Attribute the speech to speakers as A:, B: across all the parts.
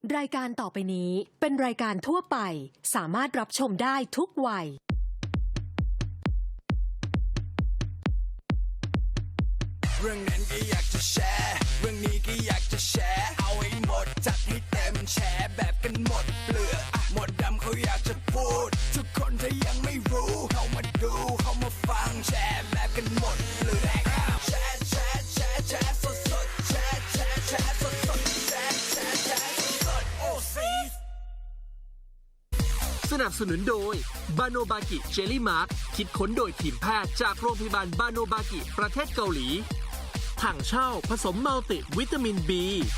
A: รายการต่อไปนี้เป็นรายการทั่วไปสามารถรับชมได้ทุกวัย
B: เรื่องนั้นก็อยากจะแชร์เรื่องนี้ก็อยากจะแชร์เอาให้หมดจัดให้เต็มแชร์แบบกันหมดเปลือกหมดดำเขาอยากจะพูดทุกคนถ้ายังไม่รู้เข้ามาดูเข้ามาฟังแชร์แบบกันหมดเปลือกแชร์แชร์แชร์แชร์สดสดแชร์แชร์แชร์สดสดแชร์แชร์แชร์สดสดโอ้ซี
C: สนับสนุนโดยบาโนบากิเจลลี่มาร์คคิดค้นโดยทีมแพทย์จากโรงพยาบาลบาโนบากิประเทศเกาหลีถังเช่าผสมมัลติวิตามิน B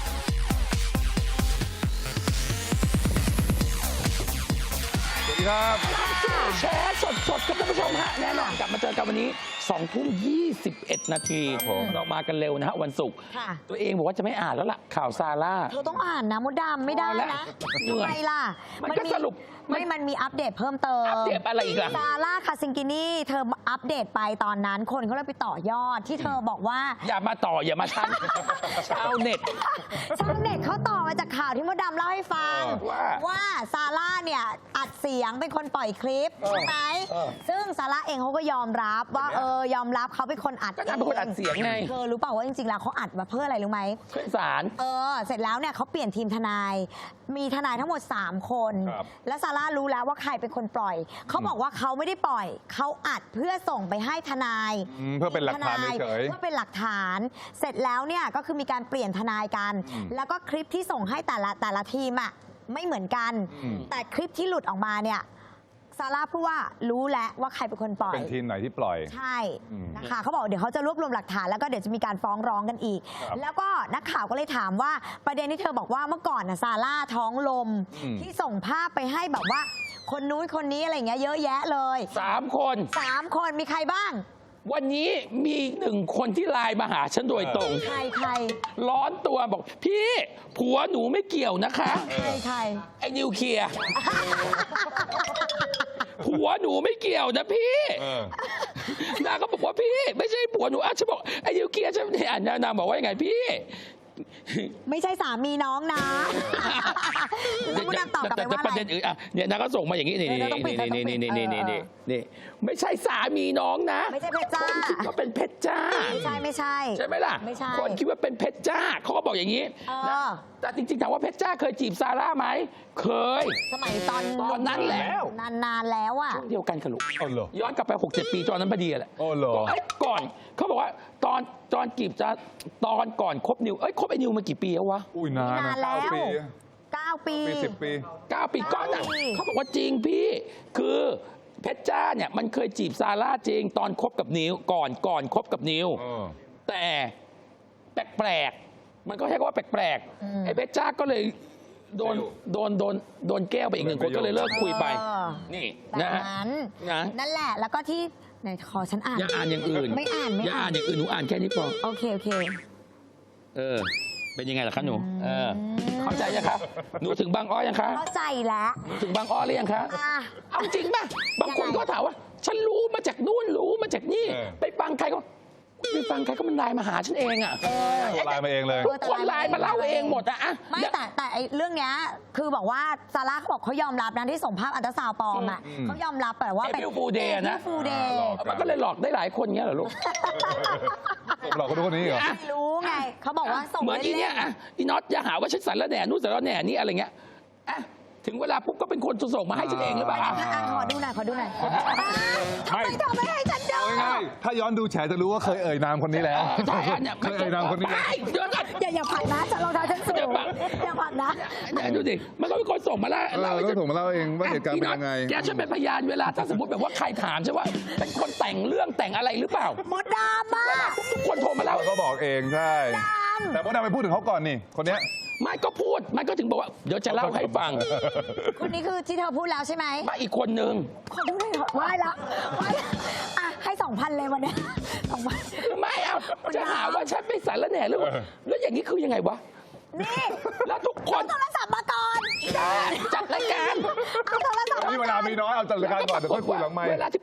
D: สวัสดีครับ
E: แชร์สดๆครับท่านผู้ชมฮะแน่นอนกลับมาเจอกันวันนี้2:21 นาทีเรามากันเร็วนะฮะวันศุกร์ตัวเองบอกว่าจะไม่อ่านแล้วล่ะข่าวซาร่า
F: เธอต้องอ่านนะมดดำไม่ได้นะ
E: เหนื่อย
F: ทำไมล่ะ
E: มันก็สรุป
F: มันมีอัปเดตเพิ่มเติม
E: อัปเดตอะไรอีกล่ะ
F: ซาร่าคาซิงกินี่เธออัปเดตไปตอนนั้นคนเขาเลยไปต่อยอดที่เธอบอกว่า
E: อย่ามาต่ออย่ามาทันชาวเน็ต
F: ชาวเน็ตเขาต่อมาจากข่าวที่มดดำเล่าให้ฟัง ว่าซาร่าเนี่ยอัดเสียงเป็นคนปล่อยคลิปใช่ไหมซึ่งซาร่าเองเขาก็ยอมรับว่ายอมรับเขาเป็นคนอัด
E: ก็นางเป็นคนอัดเสียงไง
F: เธอรู้เปล่าว่าจริงๆแล้วเขาอัดมาเพื่ออะไรรู้ไหม
E: ขึ้นศาล
F: เสร็จแล้วเนี่ยเขาเปลี่ยนทีมทนาย มีทนายทั้งหมด 3 คน และซาร่ารู้แล้วว่าใครเป็นคนปล่อย เขาบอกว่าเขาไม่ได้ปล่อย เขาอัดเพื่อส่งไปให้ทนาย
D: เพื่อเป็นหลักฐานเฉย
F: เพื่อเป็นหลักฐาน เสร็จแล้วเนี่ยก็คือมีการเปลี่ยนทนายกัน แล้วก็คลิปที่ส่งให้แต่ละทีมอ่ะไม่เหมือนกัน แต่คลิปที่หลุดออกมาเนี่ยซาร่าพูดว่ารู้แล้วว่าใครเป็นคนปล่อย
D: เป็นทีมไหนที่ปล่อย
F: ใช่นะคะเขาบอกเดี๋ยวเขาจะรวบรวมหลักฐานแล้วก็เดี๋ยวจะมีการฟ้องร้องกันอีก แล้วก็นักข่าวก็เลยถามว่าประเด็นที่เธอบอกว่าเมื่อก่อนนะซาร่าท้องลมที่ส่งภาพไปให้แบบว่าคนนู้นคนนี้อะไรเงี้ยเยอะแยะเลย
E: 3 คน
F: 3 คนมีใครบ้าง
E: วันนี้มี1 คนที่ไลน์มาหาฉันโดยตรง
F: ใคร
E: ร้อนตัวบอกพี่ผัวหนูไม่เกี่ยวนะคะ
F: ใคร
E: ไอ้นิวเคลียร์ผัวหนูไม่เกี่ยวนะพี่นางก็บอกว่าพี่ไม่ใช่ผัวหนูฉันบอกไอ้นิวเคลียร์ฉันเนี่ยนางบอกว่ายังไงพี่
F: ไม่ใช่สามีน้องนะแล้วมุดตอบกลับไปว่า
E: ประ
F: อะไร
E: เด็นอื่นเนี่ยนางก็ส่งมาอย่างนี้นี่ไม่ใช่สามีน้องนะ
F: ไม่ใช่เพชรจ้า
E: คนคิดว่าเป็นเพชรจ้า
F: ไม่ใช่
E: ใช่ไหมล่ะ
F: ไม่ใช่
E: คนคิดว่าเป็นเพชรจ้าเขาก็บอกอย่างนี้นะแต่จริงๆถามว่าเพชรจ้าเคยจีบซาร่าไหมเคย
F: สมัยตอน
E: นั้นแหละ
F: นานแล้วอ่ะ
E: ช่วงเดียวกันค่ะลูก
D: อ๋อเหรอ
E: ย้อนกลับไป 6-7 ปีตอนนั้นพอดีแหละ
D: อ๋อเหรอ
E: ก่อนเขาบอกว่าตอนจีบจะตอนก่อนคบนิวคบไอ้นิวมากี่ปีแล้ววะ
D: อุ้ยนานนะ
F: แล้ว
D: 9 ปี
F: 9 ปี
D: 10 ปี
E: 9 ปีก่อนน่ะเขาบอกว่าจริงพี่คือเพชรจ้าเนี่ยมันเคยจีบซาร่าจริงตอนคบกับนิวก่อนคบกับนิวแต่แปลกๆมันก็ใช้คำว่าแปลกๆไอ้เพชรจ้าก็เลยโดนแก้วไปอีก1 คนก็เลยเลิกคุยไปนี่นะฮะ
F: นั่นแหละแล้วก็ที่ไหนขอฉันอ่าน
E: อย่าอ่านอย่างอื่น
F: ไม่อ่าน
E: อย่าอ่านอย่างอื่นหนูอ่านแค่นี้พอ
F: โอเค
E: เป็นยังไงล่ะคะหนูเข้าใจยังครับหนูถึงบางอ้อยังคะ
F: เข้าใจแล้ว
E: ถึงบางอ้อหรือยังคะเอาจริงป่ะบางคนก็ถามว่าฉันรู้มาจากนู่นรู้มาจากนี่ไปฟังใครก็ไปฟังใครก็มันไลน์มาหาฉันเองอ่ะ
D: ไลน์มาเองเลย
E: ทุกคนไลน์มาเล่าเองหมดอะ
F: ไม่แต่ไอ้เรื่องเนี้ยคือบอกว่าซาร่าเขาบอกเขายอมรับนะที่ส่งภาพอัลตราซาวด์ปลอมอ่ะเขายอมรับแต่ว่า
E: เป็นฟูเดย์นะ
F: ฟูเดย์
E: มันก็เลยหลอกได้หลายคนเงี้ยเหรอลูก
D: หลอกคนคนนี้เหรอ
F: ไม่รู้ไงเขาบอกว่าส่ง
E: เหมือนอีเนี้ยอีน็อตอย่าหาว่าฉันสันละแหน่นู่นสันละแหน่นี่อะไรเงี้ยถึงเวลาปุ๊บก็เป็นคนส่งมาให้ฉันเองหรือเปล่า
F: ขอดูหน่อยทำไมเธอไม่ให้ฉันดู
D: ถ้าย้อนดูแฉจะรู้ว่าเคยเอ่ยนามคนนี้แล้วเคยเอ่ยนามคนนี้
F: อย่าผลักนะฉันรองเท้าฉันสูงอย่าผลักนะ
E: ดูดิมันก็เป็นคนส่งมาแล้ว
D: เราก็ส่งมาเล่าเองว่าเหตุการณ์เป็นยังไง
E: แกช่วยเป็นพยานเวลาถ้าสมมติแบบว่าใครถามใช่ว่าเป็นคนแต่งเรื่องแต่งอะไรหรือเปล่า
F: หมดดราม่า
E: ทุกคนโทรมาเล่า
D: ก็บอกเองใช่แต่มดดำไปพูดถึงเขาก่อนนี่คนเนี้ย
E: ไม่ก็พูดมันก็ถึงบอกว่าเดี๋ยวจะเล่าให้ฟัง
F: คนนี้คือที่เธอพูดแล้วใช่ไหม
E: มาอีกคนนึง
F: ขอดูหน่อยไหว้ละให้ 2,000 เลยวันนี้2,000
E: ไม่เอาจะหาว่าฉันไม่สารแหน่หรือแล้วอย่างนี้คือยังไงวะ
F: นี่
E: แล้วทุกคน
F: โทรศัพท์มาก่อน
E: จัดรายการ
F: เอาโทรศัพท์
D: นี่เวลามีน้อยเอาจัดรายการก่อนเดี๋ยวค่อยคุยหลังไมค์
E: เวลาที่ปุ๊บ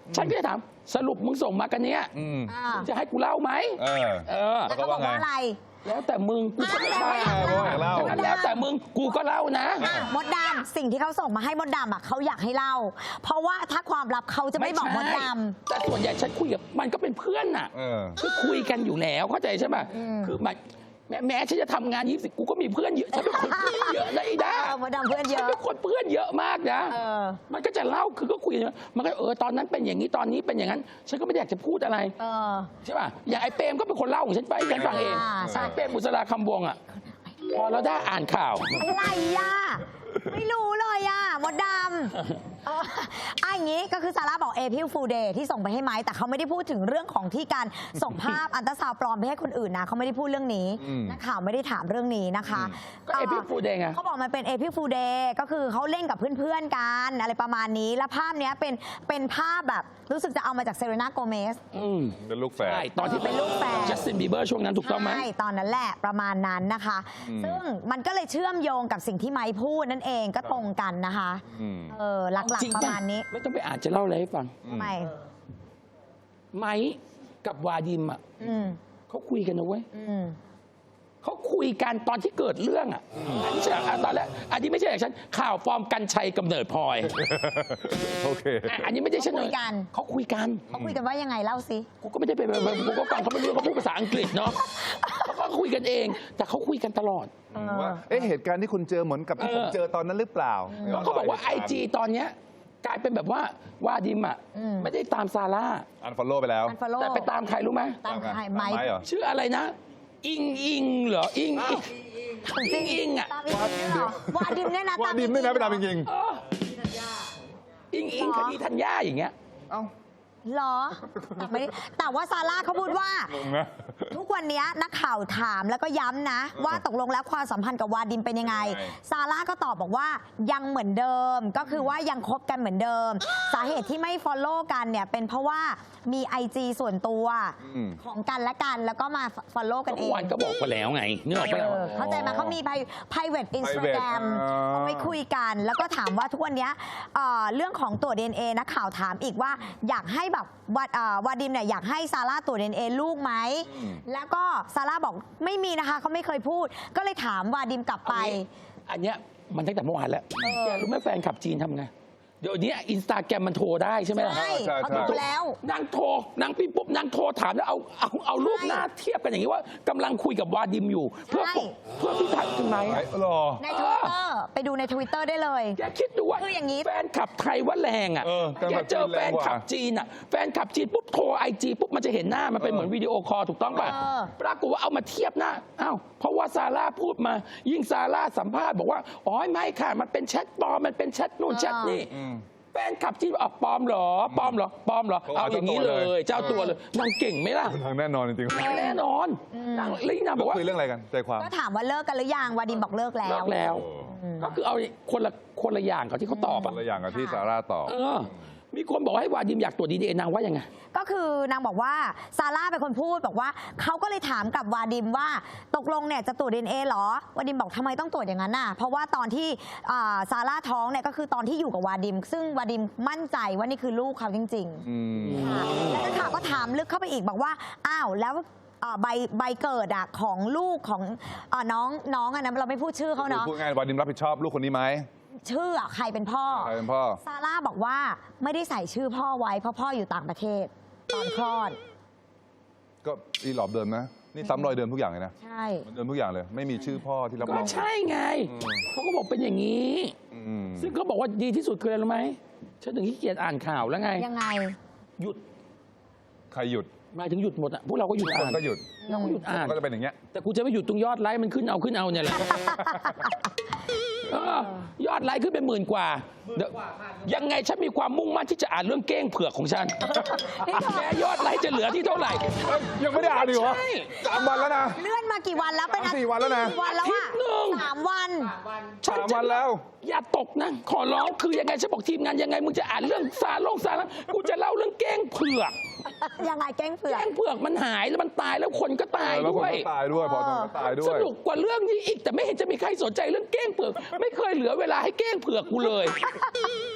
E: ฉันก็จะถามสรุปมึงส่งมากันเนี้ย
F: อ่า
E: มึงจะให้กูเล่าไหม
F: แล้วเขาบอกว่าอะไร
E: แล้วแต่มึงกูก็ไม่
F: อ่ะ
E: เล่าแล้วแต่มึงกูก็เล่านะ
F: มดดำสิ่งที่เขาส่งมาให้มดดำอ่ะเขาอยากให้เล่า เพราะว่าถ้าความลับเขาจะไม่บอกมดดำ
E: แต่ส่วนใหญ่ฉันคุยกับมันก็เป็นเพื่อนน่ะคือคุยกันอยู่แล้วเข้าใจใช่ไหมคือมันแม้ฉันจะทำงาน20กูก็มีเพื่อนเยอะฉันเป็นคนเพื่อนเยอะนะไอ้ด้าม
F: ดดำเพื่อนเย
E: ฉัน
F: อะ
E: เป็นคนเพื่อนเยอะมากนะมันก็จะเล่าคือก็คุยกันมันก็ตอนนั้นเป็นอย่างนี้ตอนนี้เป็นอย่างนั้นฉันก็ไม่ได้อยากจะพูดอะไรใช่ป่ะอย่างไอ้เปรมก็เป็นคนเล่าของฉันไปฉันฟังเองใช่เปรมบุษราคำวงอ่ะพอเราได้อ่านข่าว
F: อะไรอ่ะไม่รู้เลยอ่ะมดดำอย่างนี้ก็คือซาร่าบอกเอพิลฟูเดย์ที่ส่งไปให้ไม้แต่เขาไม่ได้พูดถึงเรื่องของที่การส่งภาพอันตราซาวด์ปลอมไปให้คนอื่นนะเขาไม่ได้พูดเรื่องนี้นักข่าวไม่ได้ถามเรื่องนี้นะคะ
E: ก็เอพิลฟูเดย์ไง
F: เขาบอกมันเป็นเอพิลฟูเดย์ก็คือเขาเล่นกับเพื่อนๆกันอะไรประมาณนี้แล้วภาพเนี้ยเป็นภาพแบบรู้สึกจะเอามาจากเซเรน่าโกเมส
D: เป็นลูกแฝด
E: ใช่ตอนที่
F: เป็นลูกแฝด
E: จัสตินบีเบอร์ช่วงนั้นถูกต้องไหม
F: ใช่ตอนนั้นแหละประมาณนั้นนะคะ ซึ่งมันก็เลยเชื่อมโยงกับสิ่งที่ไม้พูดนั่นเองก็ตรงกันนะคะหลัก
E: จริง
F: ๆประมาณนี้
E: ไม่ต้องไปอ่านจะเล่าอะไรให้ฟัง
F: ทำไม
E: ไม้กับวาดิมอ่ะ เขาคุยกันนะเว้ย เขาคุยกันตอนที่เกิดเรื่องอ่ะอันนี้ใช่ตอนแรกอันนี้ไม่ใช่อย่างฉันข่าวฟอร์มกันชัยกำเนิดพลอย
D: โอเค
E: อันนี้ไม่ได้ฉัน
F: เขาคุยกัน
E: เขาคุยกัน
F: เขาคุยกันว่ายังไงเล่าสิ
E: กูก็ไม่ได้ไปกูก็ฟังเขาไม่รู้เขาพูดภาษาอังกฤษเนาะเขาก็คุยกันเอง แต่เขาคุยกันตลอด
D: ว่าเหตุการณ์ที่คุณเจอเหมือนกับที่ผมเจอตอนนั้นหรือเปล่า
E: เขาบอกว่าIG ตอนเนี้ยกลายเป็นแบบว่าวาดิมอ่ะไม่ได้ตามซาร่า
D: อันฟอลโล่ไปแล้ว
F: unfollow
E: แต่ไปตามใครรู้ไหม
F: ตามใครไม้
D: เหรอ
E: ชื่ออะไรนะ อิงเหรออิงอิงอ่ะ
F: ตามอีกเนี่ยเหรอวาดิมเนี่ยนะ
D: ว่าดิมด้วยนะไปตามจริง
E: อิงคดีธัญญาอย่างเงี้ย
D: ๆเอ้า
F: เหรอไม่ได้แต่ว่าซาร่าเขาพูดว่า
D: งงนะ
F: ทุกวันนี้นักข่าวถามแล้วก็ย้ำนะ ว่าตกลงแล้วความสัมพันธ์กับวาดิมเป็นยังไง
D: ใช่
F: ซาร่าก็ตอบบอกว่ายังเหมือนเดิม ก็คือว่ายังคบกันเหมือนเดิม สาเหตุที่ไม่ follow กันเนี่ยเป็นเพราะว่ามี IG ส่วนตัวของกันและกันแล้วก็มา follow กันเอง
E: วันก็บอกไปแล้วไงนึกออกปะ
F: เข้าใจไหมเขามี private Instagram เอาไว้คุยกัน แล้วก็ถามว่าทุกวันนี้เรื่องของตรวจ DNA นักข่าวถามอีกว่าอยากให้แบบวาดิมเนี่ยอยากให้ซาร่าตรวจ DNA ลูกไหมแล้วก็ซาร่าบอกไม่มีนะคะเขาไม่เคยพูด ก็เลยถามวาดิมกลับไป
E: อันเนี้ยมันตั้งแต่เมื่อวานแล้วแกรู้ไหมแฟนขับจีนทำไง เดี๋ยวนี้อินสตาแกรมมันโทรได้ใช่ไหมล่ะ
F: ใช่เขาโทรแล้ว
E: นางโทรนางพี่ปุ๊บนางโทรถามแล้วเอารูปหน้าเทียบกันอย่างนี้ว่ากำลังคุยกับวาดิมอยู่ เพื่อพี่ถ่ายทำไม
D: หรอ
F: ใน Twitter ไปดูใน Twitter ได้เลย
E: แกคิดดูว่า
F: คืออย่างนี้
E: แฟนขับไทยว่าแรงอ่ะ
D: การ
E: แก
D: แบบ
E: เจอ
D: จีน
E: แฟ
D: แรง
E: น
D: กว่า
E: ขับจีนอ่ะแฟนขับจีนปุ๊บโทรIGปุ๊บมันจะเห็นหน้ามันเป็นเหมือนวิดีโอคอลถูกต้องป่ะปรากฏว่าเอามาเทียบหน้าอ้าวเพราะว่าซาร่าพูดมายิ่งซาร่าสัมภาษณ์บอกว่าอ๋อไม่ค่ะมันเป็นแชทปลอมมันเป็นแชทนู่นแชทนี่แฟนขับจีนบอกปลอมเหรอปลอมเหรอปลอมเหรอเอาอย่างนี้เลยเจ้าตัวเลยนางเก่งไหมล่ะ
D: ทางแน่นอนจริงๆ
E: แน่นอนนางลินางบอกว่า
D: คุยเรื่องอะไรกันใจความ
F: ก็ถามว่าเลิกกันหรือยังวาดิมบอกเลิกแล้ว
E: เลิกแล้ว ก็คือเอาคนละอย่างกับที่เขาตอบ
D: ค
E: อ่ะ
D: นละอย่างกับที่ซาร่าตอบ
E: มีคนบอกให้วาดิมอยากตรวจDNAนางว่ายังไง
F: ก็คือนางบอกว่าซาร่าเป็นคนพูดบอกว่าเขาก็เลยถามกับวาดิมว่าตกลงเนี่ยจะตรวจ DNA เหรอวาดิมบอกทำไมต้องตรวจอย่างนั้นน่ะเพราะว่าตอนที่ซาร่าท้องเนี่ยก็คือตอนที่อยู่กับวาดิม ซึ่งวาดิมมั่นใจว่านี่คือลูกเขาจริงๆค่ะแล้วนักข่าวก็ถามลึกเข้าไปอีกบอกว่าอ้าวแล้วใบเกิดอะของลูกของน้องอะนะเราไม่พูดชื่อเขาเนาะ
D: พูดง่ายวาดิมรับผิดชอบลูกคนนี้ไหม
F: ชื่ออะใครเป็นพ่อ
D: ใครเป็นพ่อ
F: ซาร่าบอกว่าไม่ได้ใส่ชื่อพ่อไว้เพราะพ่ออยู่ต่างประเทศตอนคลอด
D: ก็อีหลอบเดิมนะ นี่ซ้ำรอยเดิมทุกอย่างเลยนะ
F: ใช่
D: เหมือนเดิมทุกอย่างเลย ไม่มีชื่อพ่อที่รับร
E: ก็
D: อง
E: ใช่ไง เขาก็บอกเป็นอย่างนี้ ซึ่งเขาบอกว่าดีที่สุดคืออะไรรู้ไหมฉันถึงขี้เกียจอ่านข่าวแล้วไง
F: ยังไง
E: หยุด
D: ใครหยุด
E: หมายถึงหยุดหมดอ่ะพวกเราก็หยุด
D: ค
E: อ่าน
D: นก็หยุด
E: เราก็หยุดอ่าน
D: ก็จะเป็นอย่างเงี้ย
E: แต่กูจะไม่หยุดตรงยอดไลค์มันขึ้นเอาเนี่ยแหละ ยอดไลค์ขึ้นเป็น10,000 กว่าเดี๋ยวยังไงฉันมีความมุ่งมั่นที่จะอ่านเรื่องเก้งเผือกของฉันแม้ยอดไลค์จะเหลือที่เท่าไหร่
D: ยังไม่ได้อ่านอีกเหรอ
E: ใช่
D: 3 วันแล้วนะ
F: เลื่อนมากี่วันแล้วเป็น
D: 4 วันแล้วนะ
F: กี่วันแล้ว
E: อาทิ
F: อะ
E: ตย์หนึ่ง
F: 3 วัน
E: ฉัน
D: 3 วันแล้ว
E: อย่าตกนะ ขอร้องคือยังไงฉันบอกทีมงานยังไงมึงจะอ่านเรื่องซาร่ากูจะเล่าเรื่องเก้งเผือก
F: ยังไงแก้งเผือก
E: แก้งเผือกมันหายแล้วมันตายแล้วคนก็ตาย
D: แล้วค
E: ด้
D: น
E: วย
D: ก็ตายด้วยพอตอนก็ตายด้
E: ส
D: วย
E: นุกกว่าเรื่องนี้อีกแต่ไม่เห็นจะมีใครสนใจเรื่องเก้งเผือก ไม่เคยเหลือเวลาให้เก้งเผือกกูเลย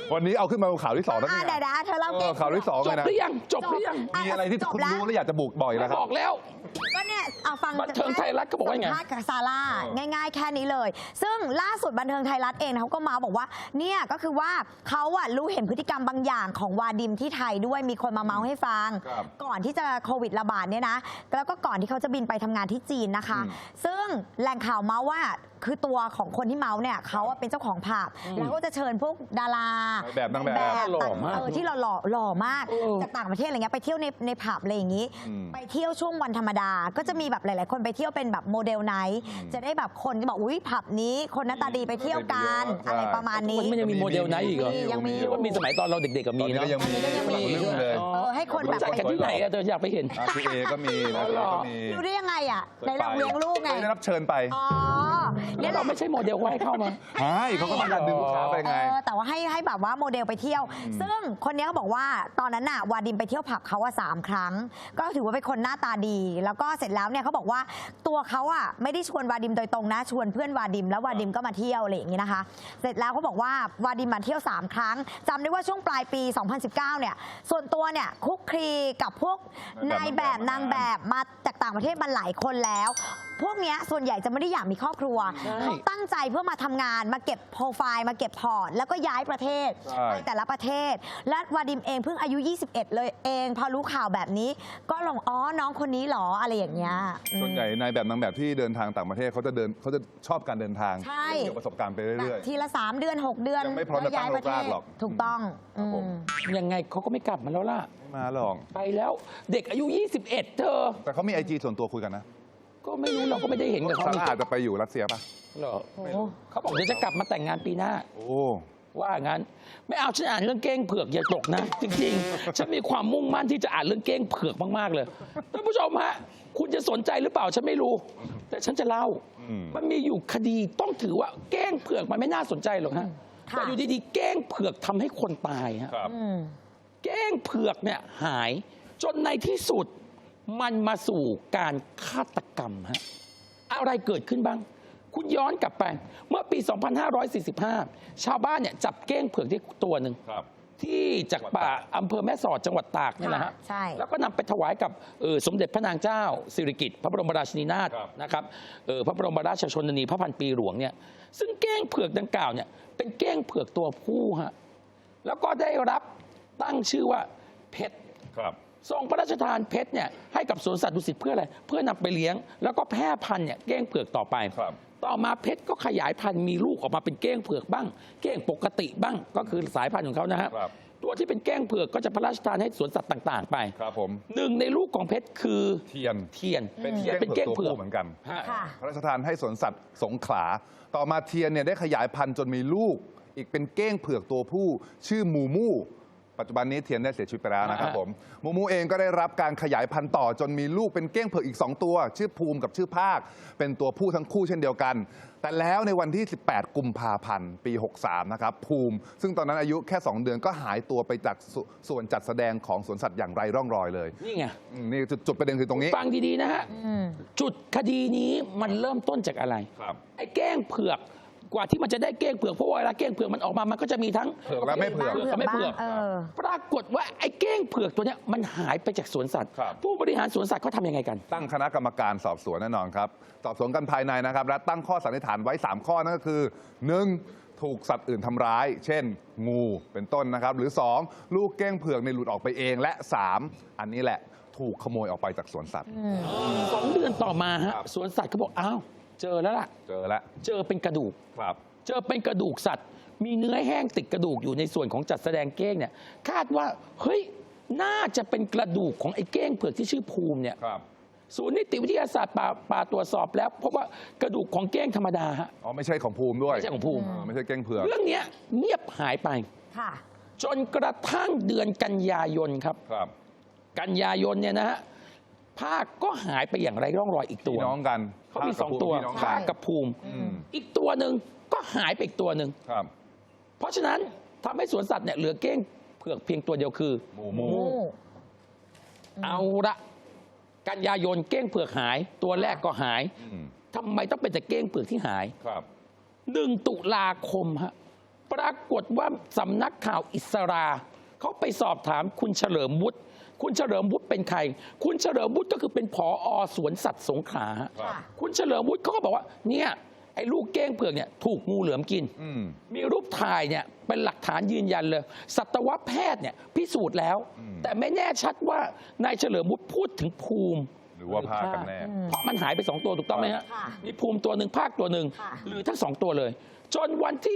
D: วันนี้เอาขึ้นมาเป็นข่าวที่2แล้วนี่
F: เดี๋ยวเธอเล่าเกม
D: ข่าวที่2
E: จ
D: เลย
E: บ
D: นะ
E: หรือยังจบหรือยัง
D: มีอะไรที่คุณรู้แล้วอยากจะบุกบ่อยแล้วครับ
E: บอกแล้ว
F: ก็เนี่ยเอาฟัง
E: บันเทิงไทยรัฐเขาบอกว่าไง
F: สัมภษณ์กับซาร่าง่ายๆแค่นี้เลย ซึ่งล่าสุดบันเทิงไทยรัฐเองเขาก็มาบอกว่าเนี่ยก็คือว่าเขารู้เห็นพฤติกรรมบางอย่างของวาดิมที่ไทยด้วยมีคนมาเมาให้ฟัง
D: ครับ
F: ก่อนที่จะโควิดระบาดเนี่ยนะแล้วก็ก่อนที่เขาจะบินไปทำงานที่จีนนะคะ ซึ่งแหล่งข่าวเมาว่าคือตัวของคนที่เมาเนี่ยเขาเป็นเจ้าของผับแล้วก็จะเชิญพวกดารา
D: แบบนางแบบ
E: หล่อมาก
F: ที่หล่อมากจากต่างประเทศอะไรเงี้ยไปเที่ยวในผับอะไรอย่างนี้ ไปเที่ยวช่วงวันธรรมดา ก็จะมีแบบหลายๆคนไปเที่ยวเป็นแบบโมเดลไนท์จะได้แบบคนก็บอกอุ้ยผับนี้คนหน้าตาดีไปเที่ยวกัน
D: ใช่
F: อะไรประมาณนี้
E: มันยังมีโมเดลไหนอีกเหรอ
F: ยังมี
E: ว่ามีสมัยตอนเราเด็กๆกับ
D: ตอ
E: มี
D: นนี้
E: เนาะ
D: ก็ยังมี
F: มี
D: เรื่องเลย
F: ให้คนแบบ
E: รู้จักกันที่ไหนอะเธออยากไปเห็น
D: พี่เอก็มีนะพี่เอก็มี
F: รู้ได้ยังไงอ่ะในเราเลี้ยงลูกไง
D: ได้รับเชิญไป
F: อ๋อ
E: แล้
F: เนี่
E: วย เราไม่ใช่โมเดลว่าให้เข้ามา
D: ใช่เขาก็มาดันดึงลูกค้าไปไง
F: แต่ว่าให้แบบว่าโมเดลไปเที่ยว ซึ่งคนนี้เขาบอกว่าตอนนั้นน่ะวาดิมไปเที่ยวผับเขา3 ครั้ง ก็ถือว่าเป็นคนหน้าตาดี แล้วก็เสร็จแล้วเนี่ยเขาบอกว่าตัวเขาไม่ได้ชวนวาดิมโดยตรงนะชวนเพื่อนวาดิมแล้ววาดิมก็มาเที่ยวอะไรอย่างนี้นะคะ เสร็จแล้วเขาบอกว่าวาดิมมาเที่ยว3 ครั้งจำได้ว่าช่วงปลายปี 2019 เนี่ยส่วนตัวเนี่ยคุกคลีกับพวกนายแบบนางแบบมาจากต่างประเทศมาหลายคนแล้ว พวกเนี้ยส่วนใหญ่จะไม่ได้อยากมีครอบครัว
E: ใช่
F: เขาตั้งใจเพื่อมาทำงานมาเก็บโปรไฟล์มาเก็บพอร์ตแล้วก็ย้ายประเทศ
D: ใช่
F: ไปแต่ละประเทศ และวาดิมเองเพิ่งอายุ 21 เลยเองพอรู้ข่าวแบบนี้ ก็ลงอ๋อน้องคนนี้เหรออะไรอย่างเงี้ย
D: ส่วนใหญ่นายแบบนางแบบที่เดินทางต่างประเทศเขาจะชอบการเดินทาง
F: ใช่
D: เกี่ยวกับประสบการณ์ไปเรื่อย
F: ทีละ 3 เดือน 6 เดือน
D: ยังไม่พร้อมจะตั้ง
F: แล้วย้ายประเท
D: รก
F: ศ
D: รากหรอก
F: ถูกต้อง
D: ครับผม
E: ยังไงเขาก็ไม่กลับมาแล้วล่ะ
D: ๆไม่มาหรอก
E: ไปแล้วเด็กอายุ 21 เธอ
D: แต่เขามี IG ส่วนตัวคุยกันนะ
E: ก็ไม่รู้เราก็ไม่ได้เห็นกับเขา
D: ซา
E: นี่
D: ร่าอาจจะไปอยู่รัสเซียป่ะ
E: เหรอ
F: โอ้
E: เขาบอกเดี๋ยวจะกลับมาแต่งงานปีหน้า
D: โอ้
E: ว่างั้นไม่เอาฉันอ่านเรื่องเก้งเผือกอย่าตกนะ จริงๆ ฉันมีความมุ่งมั่นที่จะอ่านเรื่องเก้งเผือกมากๆเลยท่านผู้ชมฮะคุณจะสนใจหรือเปล่าฉันไม่รู้ แต่ฉันจะเล่า มันมีอยู่คดีต้องถือว่าเก้งเผือกมันไม่น่าสนใจหรอกฮะแต่อยู่ดีๆเก้งเผือกทำให้คนตายฮะ
D: ครับ
F: อืม
E: เก้งเผือกเนี่ยหายจนในที่สุดมันมาสู่การฆาตกรรมฮะอะไรเกิดขึ้นบ้าง คุณย้อนกลับไปเมื่อปี 2545 ชาวบ้านเนี่ยจับเก้งเผือกได้ตัวหนึ่ง
D: ครับ
E: ที่จากป่าอำเภอแม่สอดจังหวัดตากเนี่ยนะฮะ
F: ใช่
E: แล้วก็นำไปถวายกับสมเด็จพระนางเจ้าสิริกิติ์พระบรมราชินีนาถ
D: ครับ
E: นะครับพระบรมราชชนนีพระพันปีหลวงเนี่ยซึ่งเก้งเผือกดังกล่าวเนี่ยเป็นเก้งเผือกตัวผู้ฮะแล้วก็ได้รับตั้งชื่อว่าเพชร
D: ครับ
E: ทรงพระราชทานเพชรเนี่ยให้กับสวนสัตว์ดุสิตเพื่ออะไรเพื่อนำไปเลี้ยง แล้วก็แพร่พันธุ์เนี่ยเก้งเผือกต่อไป
D: ครับ
E: ต่อมาเพชรก็ขยายพันธุ์มีลูกออกมาเป็นเก้งเผือกบ้าง เก้งปกติบ้างก็คือสายพันธุ์ของเขานะฮะ
D: ครับ
E: ตัวที่เป็นเก้งเผือกก็จะพระราชทานให้สวนสัตว์ต่างๆ ไป
D: ครับผม
E: หนึ่งในลูกของเพชรคือ
D: เทียน
E: เทียน
D: เป็นเทียน
E: เป็นเก้ง
D: ตัว
E: เผือก
D: ผู้เหมือนกัน
E: ฮะ
F: ค่ะ
D: พระราชทานให้สวนสัตว์สงขลา ต่อมาเทียนเนี่ยได้ขยายพันธุ์จนมีลูก อีกเป็นเก้งเผือกตัวผู้ ชื่อมูมู ปัจจุบันนี้เทียนได้เสียชีวิตไปแล้วนะครับผม มูมูเองก็ได้รับการขยายพันธุ์ต่อจนมีลูกเป็นเก้งเผือกอีก 2 ตัว ชื่อภูมิกับชื่อภาค เป็นตัวผู้ทั้งคู่เช่นเดียวกัน แต่แล้วในวันที่ 18 กุมภาพันธ์ ปี 63 นะครับ ภูมิ ซึ่งตอนนั้นอายุแค่ 2 เดือนก็หายตัวไปจากส่วนจัดแสดงของสวนสัตว์อย่างไรร่องรอยเลย
E: นี่ไง
D: นี่จุดประเด็นคือตรงนี้
E: ฟังดีๆนะฮะจุดคดีนี้มันเริ่มต้นจากอะไร
D: ครับ
E: ไอ้เก้งเผือกกว่าที่มันจะได้เก้งเผือกเพราะว่าเวลาเก้งเผือกมันออกมามันก็จะมีทั้ง
D: เผือกและไม่เผือก
E: กับไม่เผือก
F: เออ
E: ปรากฏว่าไอ้เก้งเผือกตัวเนี้ยมันหายไปจากสวนสัตว์
D: ครับ
E: ผู้บริหารสวนสัตว์เขาทำยังไงกัน
D: ตั้งคณะกรรมการสอบสวนแน่นอนครับ สอบสวนกันภายในนะครับ และตั้งข้อสันนิษฐานไว้ 3 ข้อนั่นก็คือ 1. ถูกสัตว์อื่นทำร้าย เช่น งูเป็นต้นนะครับ หรือ 2. ลูกเก้งเผือกในยหลุดออกไปเอง และ 3. อันนี้แหละถูกขโมยออกไปจากสวนสัตว์
E: 2 เดือนต่อมาฮะ
D: ครับ
E: สวนสัตว์เขาบอกอ้าวเจอแล้วล่ะ
D: เจอแล้ว
E: เจอเป็นกระดูก
D: ครับ
E: เจอเป็นกระดูกสัตว์ มีเนื้อแห้งติดกระดูกอยู่ในส่วนของจัดแสดงเก้งเนี่ยคาดว่าเฮ้ยน่าจะเป็นกระดูกของไอ้เก้งเผือกที่ชื่อภูมิเนี่ย
D: ครับ
E: ศูนย์นิติวิทยาศาสตร์ป่าตรวจสอบแล้วพบว่ากระดูกของเก้งธรรมดาฮะ
D: อ๋อไม่ใช่ของภูมิด้วย
E: ไม่ใช่ของภูมิ
D: ไม่ใช่เก้งเผือก
E: เรื่องเนี้ยเงียบหายไป
F: ค่ะ
E: จนกระทั่งเดือนกันยายนครับ
D: ครับ
E: กันยายนเนี่ยนะฮะภาคก็หายไปอย่างไรร่องรอยอีกตัว
D: พี่น้องกัน
E: เขามี 2 ตัว
D: พี่น้อง
E: ภา
D: กั
E: คน กับภูมิ
D: อืม
E: อีกตัวหนึ่งก็หายไปอีกตัวหนึ่ง
D: ครับ
E: เพราะฉะนั้นทำให้สวนสัตว์เนี่ยเหลือเก้งเผือกเพียงตัวเดียวคือ
D: หมูหมู
E: เอาละกันยายนเก้งเผือกหาย ตัวแรกก็หาย
D: อืม
E: ทำไมต้องเป็นแต่เก้งเผือกที่หาย
D: ครับ
E: 1 ตุลาคมฮะปรากฏว่าสำนักข่าวอิสราเขาไปสอบถามคุณเฉลิมวุฒิคุณเฉลิมวุฒิเป็นใครคุณเฉลิมวุฒิก็คือเป็นผอ.สวนสัตว์สงขลา
F: ค่ะ
E: คุณเฉลิมวุฒิเขาก็บอกว่าเนี่ยไอ้ลูกเก้งเผือกเนี่ยถูกงูเหลือมกิน มีรูปถ่ายเนี่ยเป็นหลักฐานยืนยันเลย สัตวแพทย์เนี่ยพิสูจน์แล้ว แต่ไม่แน่ชัดว่านายเฉลิมวุฒิพูดถึงภูมิ
D: หรือว่าพากันแน่
E: เพราะมันหายไป2ตัวถูกต้องไหมฮะ
F: ค่ะ
E: มีภูมิตัวหนึ่งภาคตัวหนึ่ง
F: ค่ะ
E: หรือทั้ง2ตัวเลย จนวันที่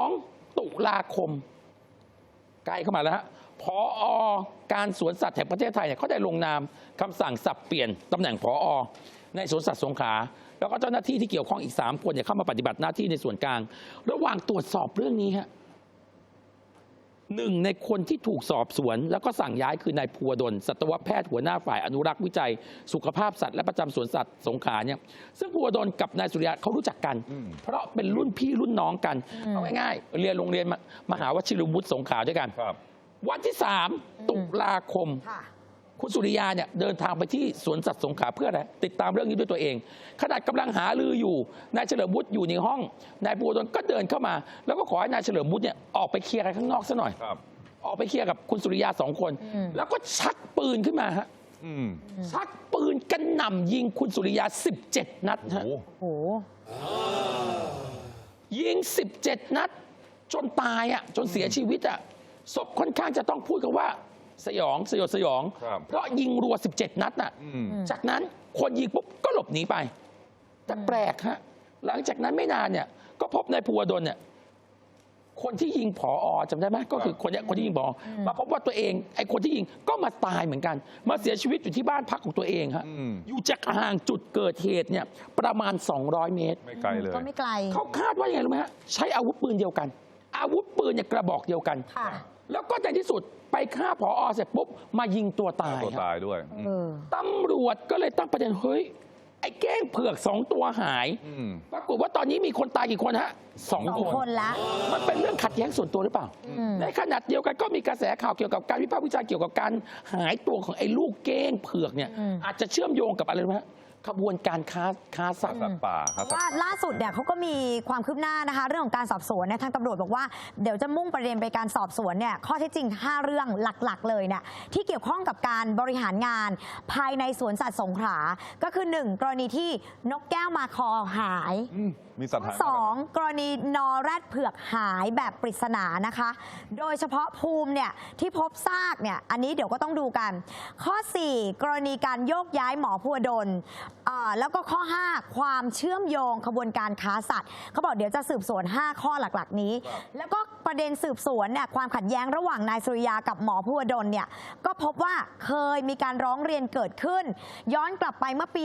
E: 2 ตุลาคมใกล้เข้ามาแล้วฮะผอ.การสวนสัตว์แห่งประเทศไทยเนี่ยเขาได้ลงนามคำสั่งสับเปลี่ยนตำแหน่งผอ.ในสวนสัตว์สงขลาแล้วก็เจ้าหน้าที่ที่เกี่ยวข้องอีก3 คนเนี่ยเข้ามาปฏิบัติหน้าที่ในส่วนกลาง ระหว่างตรวจสอบเรื่องนี้ฮะหนึ่งในคนที่ถูกสอบสวนแล้วก็สั่งย้ายคือนายภูวดลสัตวแพทย์หัวหน้าฝ่ายอนุรักษ์วิจัย สุขภาพสัตว์และประจำสวนสัตว์สงขลาเนี่ยซึ่งภูวดลกับนายสุริยะเขารู้จักกัน เพราะเป็นรุ่นพี่รุ่นน้องกันเอาง่ายๆเรียนโรงเรียนมหาวชิรวุฒิสงขลาด้วยกัน
D: ครับ
E: วันที่ 3 ตุลาคม
F: ค่ะ
E: คุณสุริยาเนี่ยเดินทางไปที่สวนสัตว์สงขลาเพื่ออะไรติดตามเรื่องนี้ด้วยตัวเองขณะกำลังหารืออยู่นายเฉลิมวุฒิอยู่ในห้องนายภูวดลก็เดินเข้ามา แล้วก็ขอให้นายเฉลิมวุฒิเนี่ยออกไปเคลียร์กันข้างนอกซะหน่อย
D: ครับ
E: ออกไปเคลียร์กับคุณสุริยา2 คน แล้วก็ชักปืนขึ้นมาฮะ
D: อืม
E: ชักปืนกระหน่ำยิงคุณสุริยา17 นัดฮะ
D: โอ้
F: โอ้โห
E: ยิง17 นัด จนตายอ่ะจนเสียชีวิตอ่ะศพค่อนข้างจะต้องพูดกันว่าสยองสยดสยอง
D: ครับ
E: เพราะยิงรัว17 นัดน่ะจากนั้นคนยิงปุ๊บก็หลบหนีไป แต่แปลกฮะหลังจากนั้นไม่นานเนี่ยก็พบนายภูวดลเนี่ยคนที่ยิงผอ.จำได้ไหมก็คือคนเนี้ยคนที่ยิงผอ.มาพบว่าตัวเองไอ้คนที่ยิงก็มาตายเหมือนกัน มาเสียชีวิตอยู่ที่บ้านพักของตัวเองฮะอยู่จากห่างจุดเกิดเหตุเนี่ยประมาณ200 เมตร
D: ไม่ไกลเลย
F: ก็ไม่ไกล
E: เขาคาดว่ายังไงรู้ไหมฮะใช้อาวุธปืนเดียวกัน อาวุธปืนเนี่ยกระบอกเดียวกัน
F: ค่ะ
E: แล้วก็ในที่สุดไปฆ่าผอ.เสร็จปุ๊บมายิงตัวตาย
D: ตัว
E: ครับ
D: ตายด้วย
F: เออ
E: ตำรวจก็เลยตั้งประเด็นเฮ้ยไอ้แก้งเผือก2 ตัวหาย ปรากฏว่าตอนนี้มีคนตายกี่คนฮะ2
F: 2
E: คน
F: คนละ
E: มันเป็นเรื่องขัดแย้งส่วนตัวหรือเปล่า ในขณะเดียวกันก็มีกระแสข่าวเกี่ยวกับการวิพากษ์วิจารณ์เกี่ยวกับการหายตัวของไอ้ลูกเก้งเผือกเนี่ยอาจจะเชื่อมโยงกับอะไรรู้ไหมฮะขบวนการค้าสัตว์
D: สัตว์ป่าครับสัตว์
F: ว่าล่าสุดเนี่ยเขาก็มีความคืบหน้านะคะ เรื่องของการสอบสวนเนี่ยทางตำรวจบอกว่าเดี๋ยวจะมุ่งประเด็นไปการสอบสวนเนี่ยข้อเท็จจริง 5 เรื่องหลักๆ เลยเนี่ยที่เกี่ยวข้องกับการบริหารงานภายในสวนสัตว์สงขลาก็คือ 1 กรณีที่นกแก้วมาคอหาย
D: มีสัตว์หาย
F: 2 กรณีนอแรดเผือกหายแบบปริศนานะคะ โดยเฉพาะภูมิเนี่ยที่พบซากเนี่ยอันนี้เดี๋ยวก็ต้องดูกัน ข้อ 4 กรณีการโยกย้ายหมอภูวดลแล้วก็ข้อ 5 ความเชื่อมโยงขบวนการค้าสัตว์เขาบอกเดี๋ยวจะสืบสวน 5 ข้อหลักๆนี้ แล้วก็ประเด็นสืบสวนเนี่ยความขัดแย้งระหว่างนายสุริยากับหมอภูวดลเนี่ยก็พบว่าเคยมีการร้องเรียนเกิดขึ้น ย้อนกลับไปเมื่อปี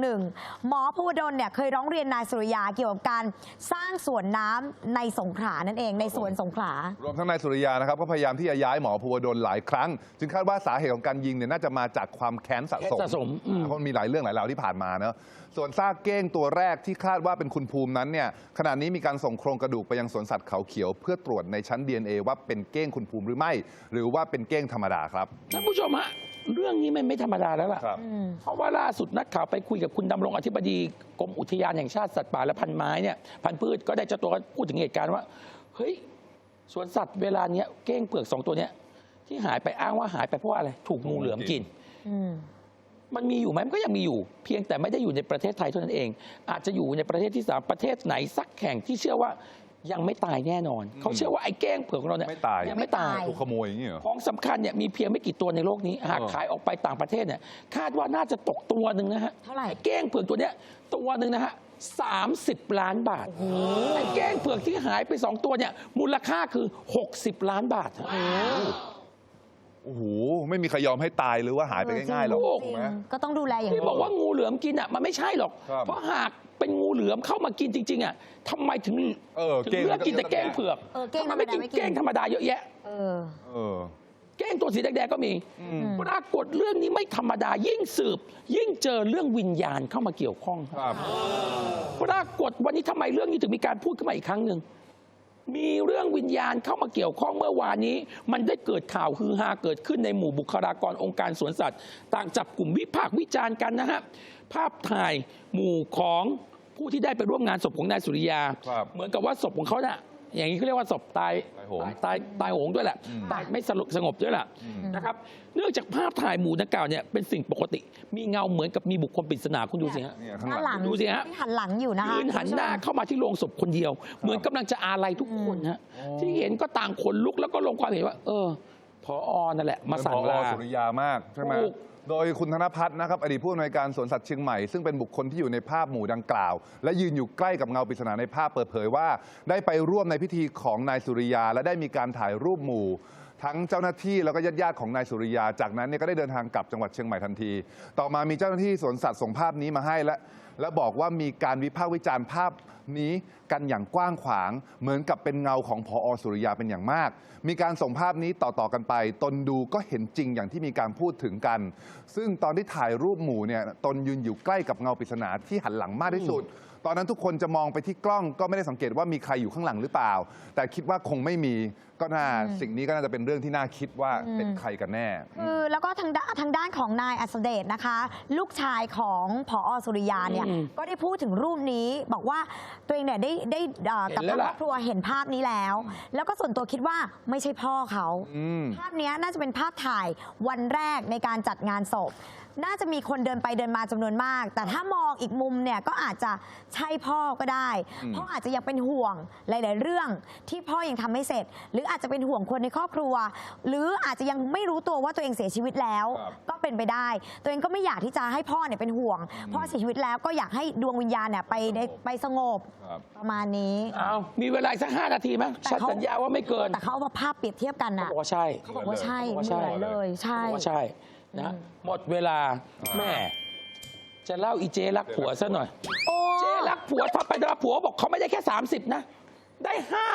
F: 61 หมอภูวดลเนี่ยเคยร้องเรียนนายสุริยาเกี่ยวกับการสร้างสวนน้ำในสงขลานั่นเองในสวนสงขลาร
D: วมทั้งนายสุริยานะครับก็พยายามที่จะย้ายหมอภูวดลหลายครั้ง จึงคาดว่าสาเหตุของการยิงเนี่ยน่าจะมาจากความแค้นสะสม
E: แค้นสะสม
D: เพราะมันมีหลายเรื่องหลายราวที่ผ่านมาเนอะส่วนซากเก้งตัวแรกที่คาดว่าเป็นคุณภูมินั้นเนี่ยขณะนี้มีการส่งโครงกระดูกไปยังสวนสัตว์เขาเขียว เพื่อตรวจในชั้น DNA ว่าเป็นเก้งคุณภูมิหรือไม่ หรือว่าเป็นเก้งธรรมดาครับ
E: ท่านผู้ชมฮะเรื่องนี้มันไม่ธรรมดาแล้วล่ะ
D: ครับ
E: เพราะว่าล่าสุดนักข่าวไปคุยกับคุณดำรงอธิบดีกรมอุทยานแห่งชาติสัตว์ป่าและพันธุ์ไม้เนี่ยพันธุ์พืชก็ได้เจ้าตัวก็พูดถึงเหตุการณ์ว่าเฮ้ยสวนสัตว์เวลาเนี้ยเก้งเผือก2 ตัวเนี้ยที่หายไปอ้างว่าหายไปเพราะว่าอะไรถูกงูเหลือมกิน มันมีอยู่ไหมมันก็ยังมีอยู่ เพียงแต่ไม่ได้อยู่ในประเทศไทยเท่านั้นเอง อาจจะอยู่ในประเทศที่ 3ประเทศไหนสักแห่งที่เชื่อว่ายังไม่ตายแน่นอน เขาเชื่อว่าไอ้แก้งเผือกของเราเนี่ย
D: ไม่ตาย
E: ยังไม่ตาย
D: ถูกขโมยอย่างนี้เหรอ
E: ของสำคัญเนี่ยมีเพียงไม่กี่ตัวในโลกนี้ หากขายออกไปต่างประเทศเนี่ยคาดว่าน่าจะตกตัวหนึ่งนะฮะ
F: เท่าไหร่
E: ไอ้แก้งเผือกตัวเนี้ยตัวหนึ่งนะฮะ30 ล้านบาทไอ้แก้งเผือกที่หายไป2 ตัวเนี่ยมูลค่าคือ60 ล้านบาทฮะ
D: โอ้โหไม่มีใครยอมให้ตายหรือว่าหายไปง่ายๆหรอก
E: โอ้
F: จ
D: ถู
F: ริ
D: ก
F: ง
D: ไหม
F: ก็ต้องดูแลอย่าง
E: ที่บอกว่างูเหลือมกินอ่ะมันไม่ใช่หรอก
D: ครับ
E: เพราะหากเป็นงูเหลือมเข้ามากินจริงๆอ่ะทำไมถึง
D: เก้ง
E: เลือกกินแต่แก้งเผือก
F: เก้ง
E: ทำไมไม่กิน
F: ธรรมดาไม่กิน
E: แก้งธรรมดาเยอะแยะ
F: เออ
D: เออ
E: แก้งตัวสีแดงๆก็มี ปรากฏเรื่องนี้ไม่ธรรมดายิ่งสืบ ยิ่งเจอเรื่องวิญญาณเข้ามาเกี่ยวข้อง
D: ครับ
E: ปรากฏวันนี้ทำไมเรื่องนี้ถึงมีการพูดขึ้นมาอีกครั้งหนึ่งมีเรื่องวิญญาณเข้ามาเกี่ยวข้องเมื่อวานนี้ มันได้เกิดข่าวฮือฮาเกิดขึ้นในหมู่บุคลากรองค์การสวนสัตว์ ต่างจับกลุ่มวิพากษ์วิจารณ์กันนะฮะภาพถ่ายหมู่ของผู้ที่ได้ไปร่วมงานศพของนายสุริยา
D: ครับ
E: เหมือนกับว่าศพของเขาน่ะอย่างนี้เขาเรียกว่าศพตาย
D: ตายโหง
E: ตายโหงด้วยแหละตายไม่สงบด้วยแหละนะครับเนื่องจากภาพถ่ายหมู่ดังกล่าวเนี่ยเป็นสิ่งปกติ มีเงาเหมือนกับมีบุคคลปริศนาคุณดูสิฮะ
D: เนี่ยข้าง
F: ด้าน
D: ห
F: ห
D: ลั
F: ลั
D: ง
F: ง
E: ดูสิฮะ
F: ที่หันหลังอยู่นะคะ
E: ยืนหันหน้าเข้ามาที่โรงศพคนเดียว เหมือนกำลังจะอาลัยทุกคนฮะที่เห็นก็ต่างขนลุกแล้วก็ลงความเห็นว่า ผอนั่นแหละมาสั่งลา
D: ผอ.สุริยามากใช่ไหม
E: ถูก
D: โดยคุณธนพัฒน์นะครับอดีตผู้อำนวยการสวนสัตว์เชียงใหม่ซึ่งเป็นบุคคลที่อยู่ในภาพหมู่ดังกล่าว และยืนอยู่ใกล้กับเงาปริศนาในภาพเปิดเผยว่า ได้ไปร่วมในพิธีของนายสุริยา และได้มีการถ่ายรูปหมู่ ทั้งเจ้าหน้าที่แล้วก็ญาติๆของนายสุริยา จากนั้นเนี่ยก็ได้เดินทางกลับจังหวัดเชียงใหม่ทันที ต่อมามีเจ้าหน้าที่สวนสัตว์ส่งภาพนี้มาให้และบอกว่ามีการวิพากษ์วิจารณ์ภาพนี้กันอย่างกว้างขวาง เหมือนกับเป็นเงาของผอ.สุริยาเป็นอย่างมาก มีการส่งภาพนี้ต่อๆกันไป ตนดูก็เห็นจริงอย่างที่มีการพูดถึงกัน ซึ่งตอนที่ถ่ายรูปหมู่เนี่ยตนยืนอยู่ใกล้กับเงาปริศนาที่หันหลังมากที่สุด ตอนนั้นทุกคนจะมองไปที่กล้องก็ไม่ได้สังเกตว่ามีใครอยู่ข้างหลังหรือเปล่า แต่คิดว่าคงไม่มีก็น่าสิ่งนี้ก็น่าจะเป็นเรื่องที่น่าคิดว่าเป็นใครกันแน่
F: คือแล้วก็ทางด้านของนายอัศเดชนะคะ ลูกชายของผอ.สุริยาเนี่ยก็ได้พูดถึงรูปนี้บอกว่าตัวเองเนี่ยได้กับครอบครัวเห็นภาพนี้แล้ว แล้วก็ส่วนตัวคิดว่าไม่ใช่พ่อเขาภาพนี้น่าจะเป็นภาพถ่ายวันแรกในการจัดงานศพ น่าจะมีคนเดินไปเดินมาจำนวนมาก แต่ถ้ามองอีกมุมเนี่ยก็อาจจะใช่พ่อก็ได้พ่ออาจจะยังเป็นห่วงหลาย ๆ เรื่องที่พ่อยังทำไม่เสร็จ หรืออาจจะเป็นห่วงคนในครอบครัว หรืออาจจะยังไม่รู้ตัวว่าตัวเองเสียชีวิตแล้ว ก็เป็นไปได้ ตัวเองก็ไม่อยากที่จะให้พ่อเนี่ยเป็นห่วงพ่อเสียชีวิตแล้วก็อยากให้ดวงวิญญาณเนี่ยไปสงบ
D: ครับ
F: ประมาณนี้
E: เอามีเวลาอีกสัก5 นาทีไหมฉันสัญญาว่าไม่เกิน
F: แต่เขาเอามาภาพเปรียบเทียบกัน
E: เขา
F: น่ะ
E: บอกว่าใช่
F: เขาบอกว่าใช่
E: เขาบอกว่า
F: เห
E: ใช่
F: มือนเลยใช่
E: เขาบอกว่าใช่นะหมดเวลาแม่จะเล่าอีเจรักผัวซะหน่อย
F: โอ้
E: เจรักผัวทำไปทำมาผัวบอกเขาไม่ได้แค่ 30 นะ ได้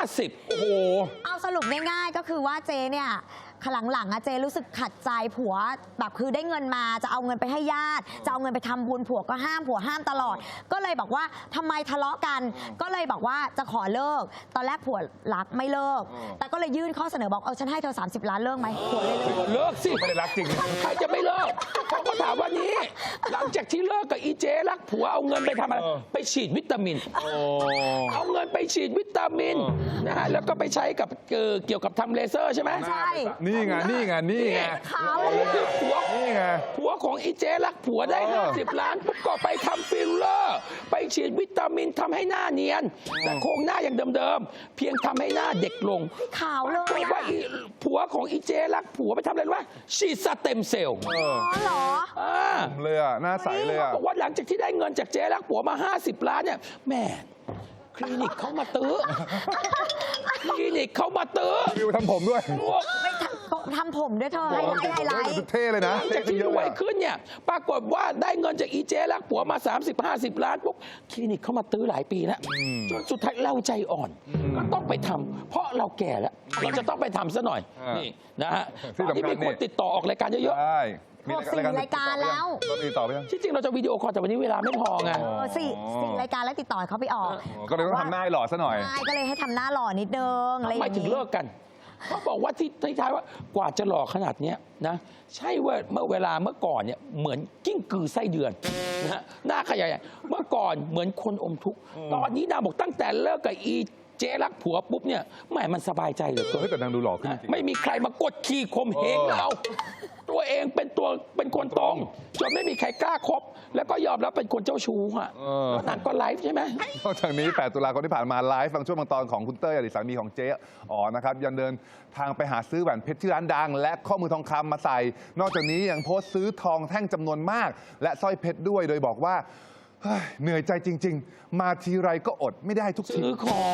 E: 50 โอ้โห
F: เอาสรุปง่ายๆก็คือว่าเจเนี่ยหลังๆอะเจรู้สึกขัดใจผัวแบบคือได้เงินมาจะเอาเงินไปให้ญาติจะเอาเงินไปทำบุญผัวก็ห้ามผัวห้ามตลอด ก็เลยบอกว่าทำไมทะเลาะกัน ก็เลยบอกว่าจะขอเลิก ตอนแรกผัวรักไม่เลิก แต่ก็เลยยื่นข้อเสนอบอกฉันให้เธอ30 ล้านเลิกไหมผัวเลยเลิก
E: เลิกสิ
D: ไม่ได้รักจริง
E: ใครจะไม่เลิกเขาก็ถามว่านี่หลังจากที่เลิกกับอีเจรักผัวเอาเงินไปทำอะไรไปฉีดวิตามิน เอาเงินไปฉีดวิตามินนะฮะแล้วก็ไปใช้กับเกี่ยวกับทำเลเซอร์ใช่ไหม
F: ใช่
D: นี่ไง
F: ขาวเลย
E: นี่คือผัว
D: นี่ไง
E: ผัวของอีเจรักผัวได้ 50 ล้านปุ๊บก็ไปทำฟิลเลอร์ ไปฉีดวิตามินทำให้หน้าเนียน แต่โครงหน้ายังเดิมๆ เพียงทำให้หน้าเด็กลง
F: ขาวเลย
E: ปรากฏว่าผัวของอีเจรักผัวไปทำอะไรรู้ไหมฉีดสเต็มเซลล์
F: อ๋อเหรอ
D: เลยอ่ะหน้าใสเลยอ่ะ
E: บอกว่าหลังจากที่ได้เงินจากเจรักผัวมา 50 ล้านเนี่ยแหม่คลินิกเขามาตื้อ คลินิกเขามาตื้อ
D: วิวทำผมด้วย
F: ไม่ทำผมด้วยเธอไฮไลท์
D: เท่เลยนะ
E: หลังจากที่รวยขึ้นเนี่ยปรากฏว่าได้เงินจากอีเจรักผัวมา 30-50 ล้านปุ๊บคลินิกเขามาตื้อหลายปีแล้วจนสุดท้ายเราใจอ่อนก็ต้องไปทำเพราะเราแก่แล้วเราจะต้องไปทำซะหน่อย นี่นะฮะ
D: ที่
E: ตอน
D: สำคัญ
E: นี้มีคนติดต่อออกรายการเยอะ
D: ใช่มี
F: รายการแล้ว
D: ก็มีต่อไปยัง
E: ๆที่จริงเราจะวิดีโอคอลแต่วันนี้เวลาไม่พอไง
F: สี่รายการแล้วติดต่อให้เขาไปออก
D: ก็เลยต้องทำหน้าให้หล่อซะหน่อย
F: ใช่ก็เลยให้ทำหน้าหล่อนิดนึงอะไรอ
E: ทำไม
F: ย่าง
E: ถึง
F: นี้
E: เลิกกันเขาบอกว่าที่ท้ายๆว่ากว่าจะหล่อขนาดเนี้ยนะใช่ว่าเมื่อเวลาเมื่อก่อนเนี่ยเหมือนกิ้งกือไส้เดือนนะฮะหน้าขยายเมื่อก่อนเหมือนคนอมทุกข์ตอนนี้นางบอกตั้งแต่เลิกกับอีเจ๊รักผัวปุ๊บเนี่ยแหมมันสบายใจเหลือเกิน
D: เฮ้ยแต่นางดูหล่อขึ้นจริง
E: ไม่มีใครมากดขี่ข่มเหงเรา ตัวเองเป็นคนตรงจนไม่มีใครกล้าคบแล้วก็ยอมรับเป็นคนเจ้าชู้อ่ะแล้วนางก็ไลฟ์ใช่ไหม
D: นอกจากนี้ 8 ตุลาคมที่ผ่านมาไลฟ์บางช่วงบางตอนของคุณเต้ยอดีตสามีของเจ๊อ๋อนะครับยังเดินทางไปหาซื้อแหวนเพชรที่ร้านดัง และข้อมือทองคำมาใส่ นอกจากนี้ยังโพสต์ซื้อทองแท่งจำนวนมาก และสร้อยเพชรด้วยโดยบอกว่าเฮ้ยเหนื่อยใจจริง ๆ มาทีไรก็อดไม่ได้ทุกที
E: ซื้อของ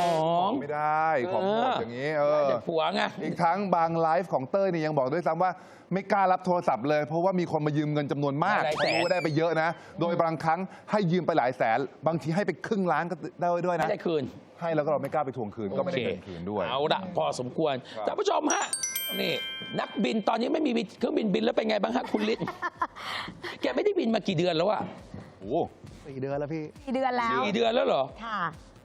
D: ไม่ได้ของหมดอย่างนี้
E: ได้แต่ผัวไง
D: อีกทั้งบางไลฟ์ของเต้ยนี่ยังบอกด้วยซ้ำว่าไม่กล้ารับโทรศัพท์เลย เพราะว่ามีคนมายืมเงินจำนวนมาก
E: หลายแสน
D: เขารู้ว่าได้ไปเยอะนะ โดยบางครั้งให้ยืมไปหลายแสน บางทีให้ไปครึ่งล้านก็ได้ด้วยนะ
E: ไม่ได้คืน
D: ให้แล้วก็เราไม่กล้าไปทวงคืนก็ไม่ได้เงินคืนด้วย
E: เอาละพอสมควร
D: ครับ
E: ท่านผู้ชมฮะนี่นักบินตอนนี้ไม่มีเครื่องบินแล้วเป็นไงบ้างฮะคุณฤทธิ์ แกไม่ได้บินมากี่เดือนแล้วอะ
D: โอ้
G: 4 เดือนแล้วพี่
F: 4 เดือนแล้ว
E: 4 เดือนแล้วเหรอ
F: ค่ะ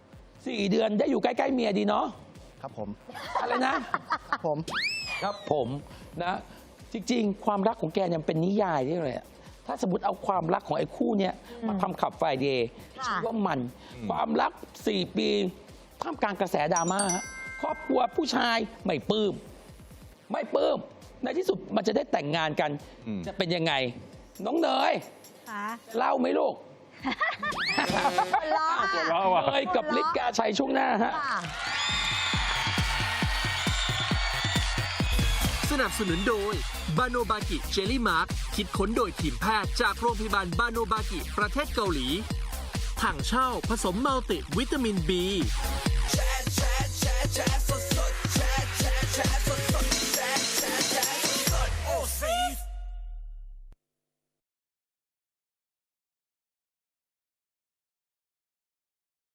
E: 4 เดือนได้อยู่ใกล้ๆเมียดีเนาะ
G: ครับผม
E: อะไรนะ
G: ผม
E: ครับผมนะจริงๆ ความรักของแกเนี่ยมันเป็นนิยายได้เลยอะถ้าสมมติเอาความรักของไอ้คู่เนี้ยมาทำขับไฟเดย์
F: ค่ะ
E: ชื่อว่ามันความรัก 4 ปีท่ามกลางกระแสดราม่าฮะกลัวผู้ชายไม่ปลื้มในที่สุดมันจะได้แต่งงานกัน จะเป็นยังไง น้องเนย
F: ค่ะ
E: เล่าไหมลูก
F: ล้อ
E: เนยกับฤทธิ์กาชัยช่วงหน้าฮะ
F: ค่ะ
C: สนับสนุนโดยบาโนบากิเจลลี่มาร์คคิดค้นโดยทีมแพทย์จากโรงพยาบาลบาโนบากิประเทศเกาหลีถังเช่าผสมมัลติวิตามิน B